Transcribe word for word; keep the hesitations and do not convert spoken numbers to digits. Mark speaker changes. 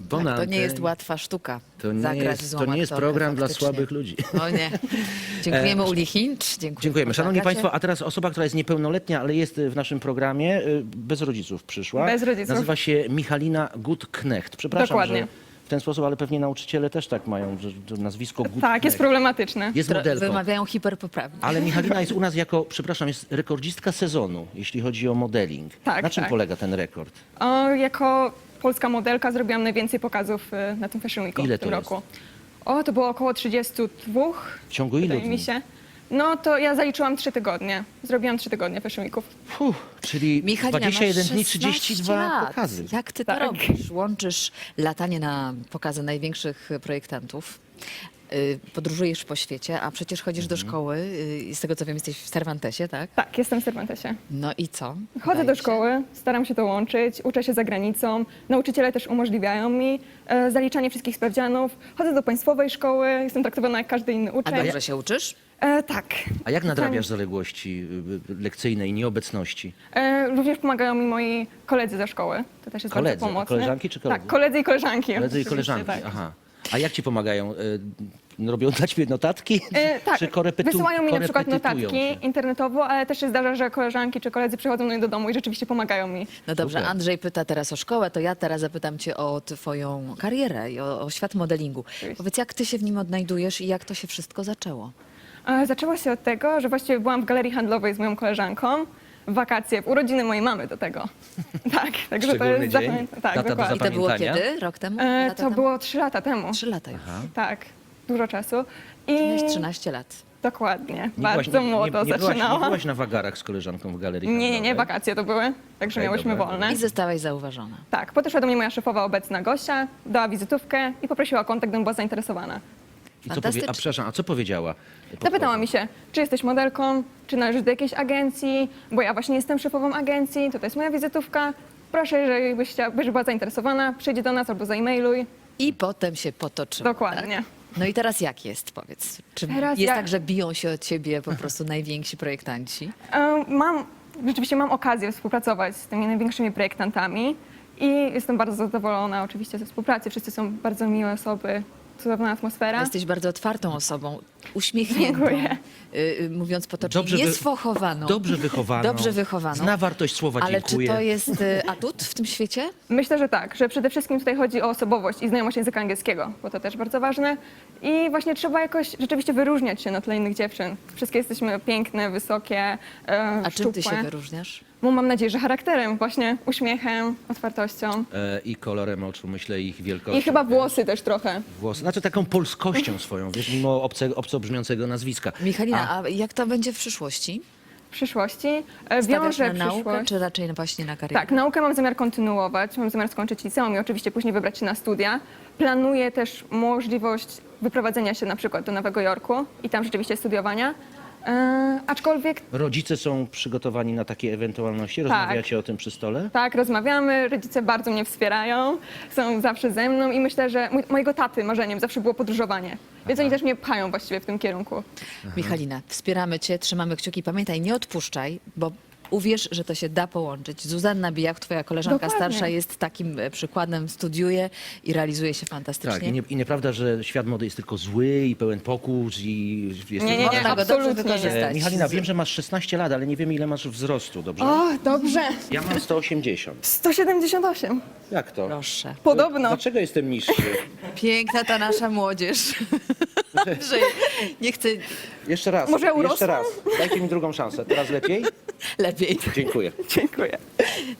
Speaker 1: Tak, to
Speaker 2: Bonantę.
Speaker 1: nie jest łatwa sztuka.
Speaker 2: To nie
Speaker 1: zagrać
Speaker 2: jest,
Speaker 1: złą
Speaker 2: to nie jest
Speaker 1: aktorkę
Speaker 2: program dla
Speaker 1: faktycznie.
Speaker 2: słabych ludzi.
Speaker 1: O nie. Dziękujemy
Speaker 2: E,
Speaker 1: Uli Hincz. Dziękujemy.
Speaker 2: Dziękujemy. Szanowni
Speaker 1: Agacie.
Speaker 2: Państwo, a teraz osoba, która jest niepełnoletnia, ale jest w naszym programie, y, bez rodziców przyszła.
Speaker 3: Bez rodziców.
Speaker 2: Nazywa się Michalina Gutknecht. Przepraszam,
Speaker 3: Dokładnie.
Speaker 2: że w ten sposób, ale pewnie nauczyciele też tak mają, że że nazwisko Gutknecht.
Speaker 3: Tak, jest problematyczne.
Speaker 2: Jest
Speaker 1: Tro-
Speaker 2: modelką.
Speaker 1: Wymawiają hiperpoprawnie.
Speaker 2: Ale Michalina jest u nas jako, przepraszam, jest rekordzistka sezonu, jeśli chodzi o modeling.
Speaker 3: Tak,
Speaker 2: Na czym
Speaker 3: tak.
Speaker 2: polega ten rekord?
Speaker 3: O, jako polska modelka zrobiłam najwięcej pokazów y, na tym Fashion Weeku
Speaker 2: Ile
Speaker 3: w tym
Speaker 2: to jest?
Speaker 3: roku. O, to było około trzydzieści dwa.
Speaker 2: W ciągu ilu
Speaker 3: Wydaje mi
Speaker 2: dni?
Speaker 3: się. No to ja zaliczyłam trzy tygodnie. Zrobiłam trzy tygodnie Fashion Weeków.
Speaker 2: Fuh, czyli
Speaker 1: Michalina,
Speaker 2: dwadzieścia jeden
Speaker 1: masz
Speaker 2: dni,
Speaker 1: szesnaście
Speaker 2: trzydzieści dwa
Speaker 1: lat.
Speaker 2: pokazy.
Speaker 1: Jak ty to
Speaker 3: Tak.
Speaker 1: robisz? Łączysz latanie na pokazy największych projektantów, y, podróżujesz po świecie, a przecież chodzisz do
Speaker 2: Mhm.
Speaker 1: szkoły y, i z tego co wiem jesteś w Cervantesie, tak?
Speaker 3: Tak, jestem w Cervantesie.
Speaker 1: No i co?
Speaker 3: Chodzę
Speaker 1: Udaje
Speaker 3: do
Speaker 1: się?
Speaker 3: szkoły, staram się to łączyć, uczę się za granicą. Nauczyciele też umożliwiają mi e, zaliczanie wszystkich sprawdzianów. Chodzę do państwowej szkoły, jestem traktowana jak każdy inny
Speaker 1: A
Speaker 3: uczeń.
Speaker 1: dobrze się uczysz?
Speaker 3: E, tak.
Speaker 2: A jak nadrabiasz zaległości y, y, lekcyjne i nieobecności?
Speaker 3: E, również pomagają mi moi koledzy ze szkoły. To też jest
Speaker 2: Koledzy?
Speaker 3: bardzo
Speaker 2: A
Speaker 3: pomocne.
Speaker 2: koleżanki czy koledzy?
Speaker 3: Tak, koledzy i koleżanki.
Speaker 2: Koledzy i
Speaker 3: oczywiście,
Speaker 2: koleżanki,
Speaker 3: tak.
Speaker 2: aha. A jak ci pomagają? Y, Robią dla ciebie notatki?
Speaker 3: E, tak,
Speaker 2: Czy korepetu-
Speaker 3: wysyłają mi na przykład
Speaker 2: korepetytują
Speaker 3: notatki
Speaker 2: cię?
Speaker 3: internetowo, ale też się zdarza, że koleżanki czy koledzy przychodzą do mnie do domu i rzeczywiście pomagają mi.
Speaker 1: No dobrze,
Speaker 2: Super.
Speaker 1: Andrzej pyta teraz o szkołę, to ja teraz zapytam cię o twoją karierę i o, o świat modelingu.
Speaker 3: Oczywiście.
Speaker 1: Powiedz, jak ty się w nim odnajdujesz i jak to się wszystko zaczęło?
Speaker 3: E, Zaczęło się od tego, że właściwie byłam w galerii handlowej z moją koleżanką w wakacje, w urodziny mojej mamy do tego. Tak, także to
Speaker 2: Szczególny
Speaker 3: jest
Speaker 2: dzień?
Speaker 3: zapamię- Tak,
Speaker 2: Data do
Speaker 3: dokładnie.
Speaker 1: I to było
Speaker 2: Pamiętania?
Speaker 1: kiedy? Rok temu?
Speaker 3: E,
Speaker 1: Lata
Speaker 3: To
Speaker 1: temu?
Speaker 3: było trzy lata temu.
Speaker 1: Trzy lata już.
Speaker 3: Tak, dużo czasu. I
Speaker 1: Miałeś trzynaście lat.
Speaker 3: dokładnie,
Speaker 2: Nie
Speaker 3: bardzo
Speaker 2: byłaś, nie,
Speaker 3: młodo
Speaker 2: nie, nie, byłaś, nie
Speaker 3: zaczynałam.
Speaker 2: byłaś na wagarach z koleżanką w galerii
Speaker 3: Nie, nie, nie,
Speaker 2: handlowej?
Speaker 3: wakacje to były, także
Speaker 2: Okej,
Speaker 3: miałyśmy
Speaker 2: dobra,
Speaker 3: wolne.
Speaker 1: I zostałaś zauważona.
Speaker 3: Tak, podeszła do mnie moja szefowa obecna Gosia, dała wizytówkę i poprosiła o kontakt, gdybym była zainteresowana.
Speaker 2: I co powie,
Speaker 1: Fantastycznie.
Speaker 2: a przepraszam, a co powiedziała?
Speaker 3: Zapytała mi się, czy jesteś modelką, czy należysz do jakiejś agencji, bo ja właśnie jestem szefową agencji, to, to jest moja wizytówka. Proszę, jeżeli byś, chciała, byś była zainteresowana, przyjdź do nas albo zaimailuj.
Speaker 1: I potem się potoczyło.
Speaker 3: Dokładnie.
Speaker 1: Tak? No i teraz jak jest, powiedz? Czy
Speaker 3: Teraz
Speaker 1: jest
Speaker 3: ja-
Speaker 1: tak, że biją się od ciebie po prostu najwięksi projektanci?
Speaker 3: E, Mam, rzeczywiście mam okazję współpracować z tymi największymi projektantami i jestem bardzo zadowolona oczywiście ze współpracy. Wszyscy są bardzo miłe osoby, cudowna atmosfera.
Speaker 1: Jesteś bardzo otwartą osobą, uśmiechniętą,
Speaker 3: Dziękuję.
Speaker 1: y, y, mówiąc potocznie,
Speaker 2: Dobrze wy-
Speaker 1: niesfochowaną.
Speaker 2: Dobrze wychowaną.
Speaker 1: Dobrze wychowaną.
Speaker 2: Zna wartość słowa
Speaker 1: Ale
Speaker 2: dziękuję.
Speaker 1: czy to jest y, atut w tym świecie?
Speaker 3: Myślę, że tak, że przede wszystkim tutaj chodzi o osobowość i znajomość języka angielskiego, bo to też bardzo ważne. I właśnie trzeba jakoś rzeczywiście wyróżniać się na tle innych dziewczyn. Wszystkie jesteśmy piękne, wysokie, e,
Speaker 1: A czym ty się
Speaker 3: szczupłe.
Speaker 1: wyróżniasz?
Speaker 3: Bo mam nadzieję, że charakterem, właśnie uśmiechem, otwartością.
Speaker 2: E, I kolorem oczu, myślę, ich wielkością.
Speaker 3: I chyba
Speaker 2: wiesz?
Speaker 3: włosy też trochę.
Speaker 2: Włosy. Znaczy taką polskością swoją, wiesz, mimo obce, obco brzmiącego nazwiska.
Speaker 1: Michalina, a, jak to będzie w przyszłości?
Speaker 3: W przyszłości e,
Speaker 1: Stawiasz
Speaker 3: wiążę
Speaker 1: na naukę,
Speaker 3: przyszłość.
Speaker 1: czy raczej właśnie na karierę?
Speaker 3: Tak, naukę mam zamiar kontynuować, mam zamiar skończyć liceum i oczywiście później wybrać się na studia. Planuję też możliwość wyprowadzenia się na przykład do Nowego Jorku i tam rzeczywiście studiowania. E, aczkolwiek
Speaker 2: Rodzice są przygotowani na takie ewentualności?
Speaker 3: Tak.
Speaker 2: Rozmawiacie o tym przy stole?
Speaker 3: tak, rozmawiamy, rodzice bardzo mnie wspierają, są zawsze ze mną i myślę, że mój, mojego taty marzeniem zawsze było podróżowanie. Więc oni też mnie pchają właściwie w tym kierunku.
Speaker 1: Michalina, wspieramy cię, trzymamy kciuki. Pamiętaj, nie odpuszczaj, bo uwierz, że to się da połączyć. Zuzanna Bijak, twoja koleżanka
Speaker 3: Dokładnie.
Speaker 1: starsza, jest takim e, przykładem, studiuje i realizuje się fantastycznie.
Speaker 2: Tak, i, nie, i nieprawda, że świat mody jest tylko zły i pełen pokus i jest
Speaker 3: Nie, nie, nie.
Speaker 1: Można go dobrze
Speaker 3: absolutnie nie.
Speaker 1: wykorzystać.
Speaker 2: E, Michalina, wiem, że masz szesnaście lat, ale nie wiemy, ile masz wzrostu, dobrze?
Speaker 3: O, dobrze.
Speaker 2: Ja mam sto osiemdziesiąt.
Speaker 3: sto siedemdziesiąt osiem.
Speaker 2: Jak to?
Speaker 1: Proszę.
Speaker 3: Podobno.
Speaker 2: Dlaczego jestem niższy?
Speaker 1: Piękna ta nasza młodzież. Że nie chcę
Speaker 2: Jeszcze raz,
Speaker 3: Może
Speaker 2: jeszcze
Speaker 3: urosłam?
Speaker 2: raz. Dajcie mi drugą szansę. Teraz lepiej?
Speaker 1: lepiej.
Speaker 2: Dziękuję.
Speaker 3: Dziękuję.